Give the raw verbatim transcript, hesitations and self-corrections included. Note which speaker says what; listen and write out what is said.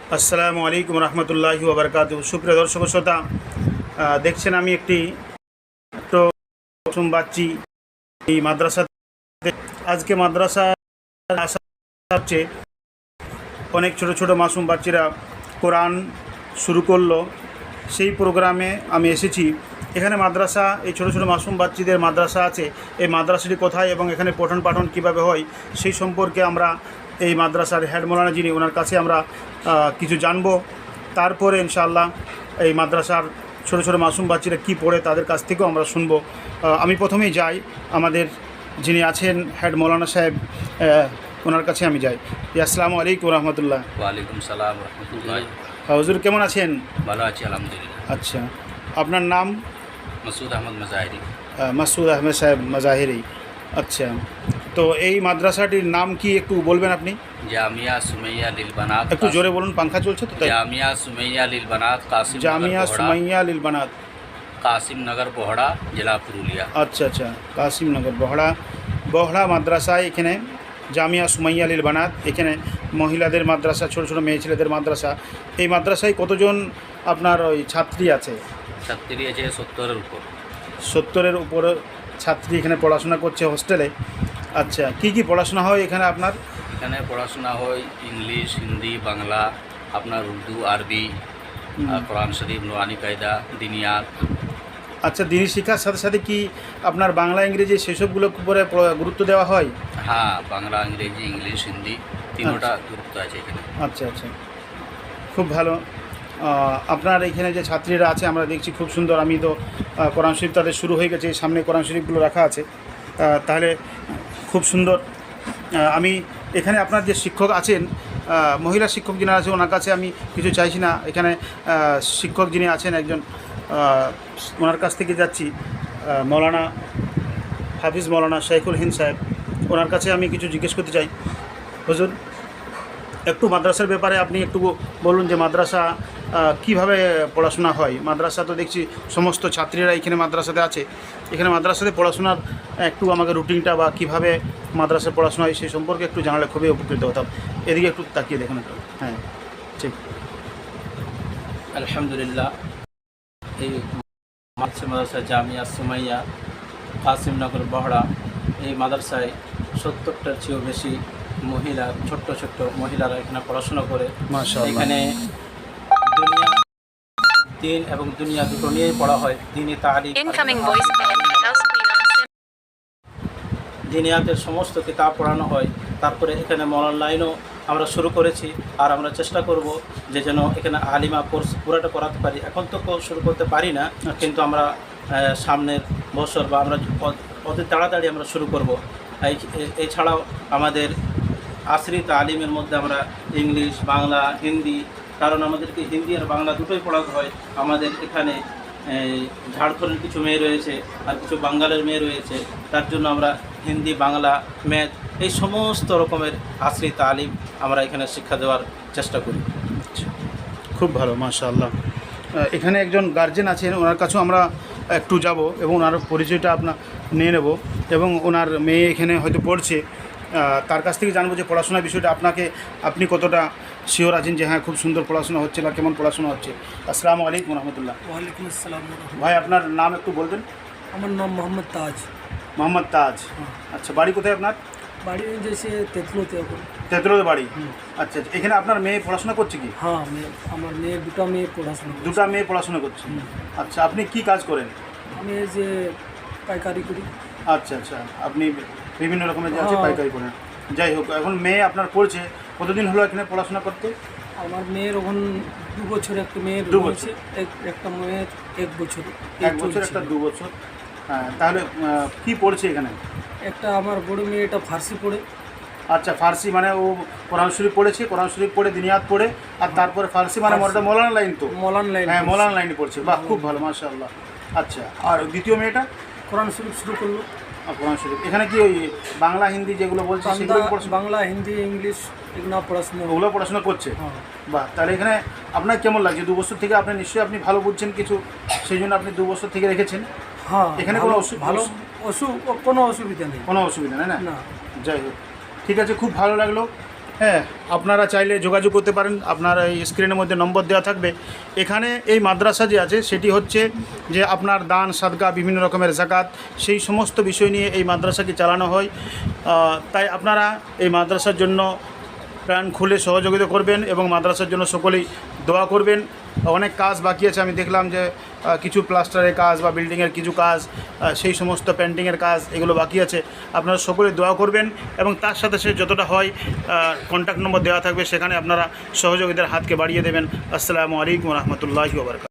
Speaker 1: আসসালামু আলাইকুম রহমতুল্লাহি ওয়া বারাকাতুহু। সুপ্রিয় দর্শক শ্রোতা, দেখছেন আমি একটি মাসুম বাচ্চি এই মাদ্রাসাতে। আজকে মাদ্রাসা হচ্ছে অনেক ছোট ছোট মাসুম বাচ্চিরা কোরআন শুরু করলো, সেই প্রোগ্রামে আমি এসেছি। এখানে মাদ্রাসা, এই ছোট ছোট মাসুম বাচ্চিদের মাদ্রাসা আছে, এই মাদ্রাসাটি কোথায় এবং এখানে পঠন পাঠন কীভাবে হয় সেই সম্পর্কে আমরা এই মাদ্রাসার হেড মৌলানা যিনি, ওনার কাছে আমরা কিছু জানবো। তারপরে ইনশাআল্লাহ এই মাদ্রাসার ছোট ছোট মাসুম বাচ্চিরা কী পড়ে তাদের কাছ থেকেও আমরা শুনবো। আমি প্রথমেই যাই আমাদের যিনি আছেন হেড মৌলানা সাহেব, ওনার কাছে আমি যাই। আসসালামু আলাইকুম রহমতুল্লাহ।
Speaker 2: ওয়ালাইকুম সালাম রহমতুল্লাহ।
Speaker 1: হুজুর কেমন আছেন?
Speaker 2: ভালো আছি আলহামদুলিল্লাহ।
Speaker 1: আচ্ছা, আপনার নাম?
Speaker 2: মাসুদ আহমদ মাজাহিরি।
Speaker 1: মাসুদ আহমেদ সাহেব মাজাহিরি। আচ্ছা, তো এই মাদ্রাসাটির নাম কি একটু বলবেন আপনি?
Speaker 2: জামিয়া সুমাইয়া লিল বানাত।
Speaker 1: একটু জোরে বলুন, পাংখা চলছে তো।
Speaker 2: জামিয়া সুমাইয়া লিল বানাত, কাসিম
Speaker 1: জামিয়া সুমাইয়া লিল বানাত,
Speaker 2: কাসিম নগর বহড়া, জেলা পুরুলিয়া।
Speaker 1: আচ্ছা আচ্ছা, কাসিম নগর বহড়া। বহড়া মাদ্রাসায় এখানে জামিয়া সুমাইয়া লিল বানাত, এখানে মহিলাদের মাদ্রাসা, ছোটো ছোটো মেয়ে ছেলেদের মাদ্রাসা। এই মাদ্রাসায় কতজন আপনার ওই ছাত্রী আছে?
Speaker 2: ছাত্রী আছে সত্তরের উপর।
Speaker 1: সত্তরের উপর ছাত্রী এখানে পড়াশোনা করছে হোস্টেলে। আচ্ছা, কি কি পড়াশোনা হয় এখানে আপনার?
Speaker 2: এখানে পড়াশোনা হয় ইংলিশ, হিন্দি, বাংলা, আপনার উর্দু, আরবি, কোরআন শরীফ, নুরানি কায়দা, দিনিয়াত।
Speaker 1: আচ্ছা, দিনী শিক্ষার সাথে সাথে কি আপনার বাংলা ইংরেজি সেসবগুলো উপরে গুরুত্ব দেওয়া হয়?
Speaker 2: হ্যাঁ, বাংলা, ইংরেজি, ইংলিশ, হিন্দি তিনটা গুরুত্ব আছে এখানে।
Speaker 1: আচ্ছা আচ্ছা, খুব ভালো। আপনার এখানে যে ছাত্রীরা আছে আমরা দেখছি খুব সুন্দর। আমি তো কোরআন শরীফ তাদের শুরু হয়ে গেছে, সামনে কোরআন শরীফগুলো রাখা আছে, তাহলে খুব সুন্দর। আমি এখানে আপনার যে শিক্ষক আছেন, মহিলা শিক্ষক যিনি আছে ওনার কাছে আমি কিছু চাইছি না, এখানে শিক্ষক যিনি আছেন একজন, ওনার কাছ থেকে যাচ্ছি মৌলানা হাফিজ মৌলানা শাইখুল হিন্দ সাহেব, ওনার কাছে আমি কিছু জিজ্ঞেস করতে চাই। হুজুর, একটু মাদ্রাসার ব্যাপারে আপনি একটু বলুন যে মাদ্রাসা কিভাবে পড়াশোনা হয়। মাদ্রাসা তো দেখছি সমস্ত ছাত্রীরা এখানে মাদ্রাসাতে আছে, এখানে মাদ্রাসাতে পড়াশোনার একটু আমাকে রুটিনটা বা কিভাবে মাদ্রাসায় পড়াশোনা হয় সেই সম্পর্কে একটু জানালে খুবই উপকৃত হতাম। এদিকে একটু তাকিয়ে দেখুন একটু। হ্যাঁ, ঠিক।
Speaker 2: আলহামদুলিল্লাহ, এই মাদ্রাসা জামিয়া সুমাইয়া কাসিমনগর বহড়া, এই মাদ্রাসায় সত্তরটার চেয়েও বেশি মহিলা, ছোট্ট ছোট্ট মহিলারা এখানে পড়াশোনা করে। এখানে দুনিয়া দিন এবং দুনিয়া দুটো নিয়েই পড়া হয়। দিনই তালিম, দিনিয়াতের সমস্ত কিতাব পড়ানো হয়। তারপরে এখানে মরাল লাইনও আমরা শুরু করেছি, আর আমরা চেষ্টা করব যে যেন এখানে আলিমা কোর্স পুরোটা করাতে পারি। এখন তো শুরু করতে পারি না, কিন্তু আমরা সামনের বছর বা আমরা অতি তাড়াতাড়ি আমরা শুরু করব। এছাড়াও আমাদের আসরি তালিমের মধ্যে আমরা ইংলিশ, বাংলা, হিন্দি, কারণ আমাদেরকে হিন্দি আর বাংলা দুটোই পড়াতে হয়। আমাদের এখানে ঝাড়খণ্ডের কিছু মেয়ে রয়েছে আর কিছু বাঙ্গালের মেয়ে রয়েছে, তার জন্য আমরা হিন্দি, বাংলা, ম্যাথ এই সমস্ত রকমের আসরি তালিম আমরা এখানে শিক্ষা দেওয়ার চেষ্টা করি।
Speaker 1: খুব ভালো, মাশাআল্লাহ। এখানে একজন গার্জেন আছেন, ওনার কাছেও আমরা একটু যাব এবং ওনার পরিচয়টা আপনার নিয়ে নেব, এবং ওনার মেয়ে এখানে হয়তো পড়ছে, তার কাছ থেকে জানবো যে পড়াশোনার বিষয়টা আপনাকে, আপনি কতটা শিওর আছেন যে হ্যাঁ খুব সুন্দর পড়াশোনা হচ্ছে বা কেমন পড়াশোনা হচ্ছে। আসসালামু আলাইকুম রহমতুল্লাহ।
Speaker 3: ওয়ালাইকুম আসসালাম।
Speaker 1: ভাই, আপনার নাম একটু বলবেন?
Speaker 3: আমার নাম মোহাম্মদ তাজ।
Speaker 1: মোহাম্মদ তাজ। আচ্ছা, বাড়ি কোথায় আপনার?
Speaker 3: বাড়ি যেসে তেতলোতে।
Speaker 1: তেতলোতে বাড়ি। আচ্ছা আচ্ছা, এখানে আপনার মেয়ে পড়াশোনা করছে কি?
Speaker 3: হ্যাঁ, মেয়ে, আমার মেয়ে, দুটো মেয়ে পড়াশোনা
Speaker 1: দুটা মেয়ে পড়াশোনা করছে। আচ্ছা, আপনি কি কাজ করেন?
Speaker 3: আমি এই যে পাইকারি করি।
Speaker 1: আচ্ছা আচ্ছা, আপনি বিভিন্ন রকমের যে আছে পাইকারি করেন। যাই হোক, এখন মেয়ে আপনার পড়ছে, কতদিন হলো এখানে পড়াশোনা করতে?
Speaker 3: আমার মেয়ের এখন দু বছর, একটা মেয়ের
Speaker 1: দু বছর,
Speaker 3: একটা মেয়ের এক বছর।
Speaker 1: এক বছর একটা দু বছর। হ্যাঁ, তাহলে কি পড়ছে এখানে?
Speaker 3: একটা আমার বড় মেয়েটা ফার্সি পড়ে।
Speaker 1: আচ্ছা, ফার্সি মানে ও কোরআন শরীফ পড়েছে, কোরআন শরীফ পড়ে দিনিয়াত পড়ে, আর তারপরে ফার্সি মানে ওটা মৌলানা লাইন। তো
Speaker 3: মৌলানা লাইন।
Speaker 1: হ্যাঁ, মৌলানা লাইনে পড়ছে। বাহ, খুব ভালো, মাশাআল্লাহ। আচ্ছা, আর দ্বিতীয় মেয়েটা
Speaker 3: কোরআন শরীফ শুরু করলো।
Speaker 1: কোরআন শরীফ এখানে কি ওই বাংলা হিন্দি যেগুলো বলছে সেগুলো পড়াশোনা?
Speaker 3: বাংলা, হিন্দি, ইংলিশ এগুলো পড়াশোনা,
Speaker 1: ওগুলো পড়াশোনা করছে। বাহ, তাহলে এখানে আপনার কেমন লাগছে? দু বছর থেকে আপনি নিশ্চয়ই আপনি ভালো বুঝছেন কিছু, সেই জন্য আপনি দু বছর থেকে রেখেছেন।
Speaker 3: হ্যাঁ,
Speaker 1: এখানে কোনো
Speaker 3: ভালো অসু কোনো অসুবিধা নেই।
Speaker 1: কোনো অসুবিধা নেই না?
Speaker 3: না।
Speaker 1: যাই হোক, ঠিক আছে, খুব ভালো লাগলো। হ্যাঁ, আপনারা চাইলে যোগাযোগ করতে পারেন। আপনার এই স্ক্রিনের মধ্যে নম্বর দেওয়া থাকবে। এখানে এই মাদ্রাসা যে আছে সেটি হচ্ছে যে আপনার দান সাদকা বিভিন্ন রকমের জাকাত সেই সমস্ত বিষয় নিয়ে এই মাদ্রাসাকে চালানো হয়। আহ, তাই আপনারা এই মাদ্রাসার জন্য প্রাণ খুলে সহযোগিতা করবেন এবং মাদ্রাসার জন্য সকলেই দোয়া করবেন। অনেক কাজ বাকি আছে, আমি দেখলাম যে আহ, কিছু প্লাস্টারের কাজ বা বিল্ডিংয়ের কিছু কাজ, আহ, সেই সমস্ত পেন্টিংয়ের কাজ এগুলো বাকি আছে। আপনারা সকলে দোয়া করবেন এবং তার সাথে সে যতটা হয় কন্ট্যাক্ট নম্বর দেওয়া থাকবে, সেখানে আপনারা সহযোগিতার হাতকে বাড়িয়ে দেবেন। আসসালামু আলাইকুম রহমতুল্লাহি ওয়া বারাকাতুহু।